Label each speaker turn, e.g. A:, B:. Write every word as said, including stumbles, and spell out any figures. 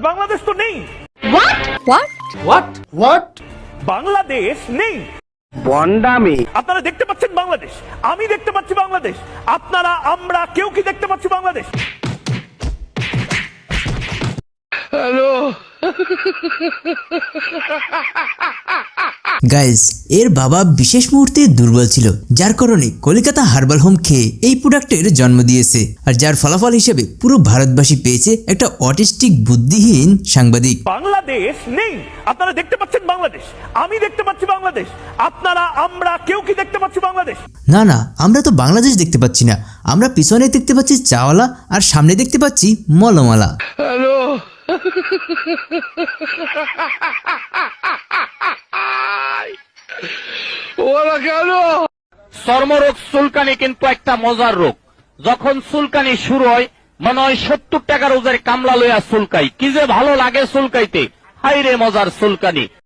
A: বাংলাদেশ তো নেই।
B: What what
C: what what
A: Bangladesh নেই।
C: বন্ডামি।
A: আপনারা দেখতে পাচ্ছেন বাংলাদেশ, আমি দেখতে পাচ্ছি বাংলাদেশ, আপনারা আমরা কেউ কি দেখতে পাচ্ছি বাংলাদেশ?
C: হ্যালো
D: গাইজ, এর বাবা বিশেষ মুহূর্তে দুর্বল ছিল, যার কারণে কলিকাতা হার্বাল হোম খেয়ে এই প্রোডাক্টের জন্ম দিয়েছে, আর যার ফলাফল হিসেবে পুরো ভারতবাসী পেয়েছে একটা অটিস্টিক বুদ্ধিহীন সাংবাদিক।
A: বাংলাদেশ নেই। আপনারা দেখতে পাচ্ছেন বাংলাদেশ, আমি দেখতে পাচ্ছি বাংলাদেশ, আপনারা আমরা কেউ কি দেখতে পাচ্ছি বাংলাদেশ?
D: না না, আমরা তো বাংলাদেশ দেখতে পাচ্ছি না, আমরা পিছনে দেখতে পাচ্ছি চাওয়ালা আর সামনে দেখতে পাচ্ছি মলমালা।
C: হ্যালো ওরা কেন? চর্মরোগ চুলকানি কিন্তু একটা মজার রোগ। যখন চুলকানি শুরু হয় মনে হয় সত্তর টাকা রোজের কামলা লইয়া চুলকাই, কি যে ভালো লাগে চুলকাইতে। হাই রে মজার চুলকানি।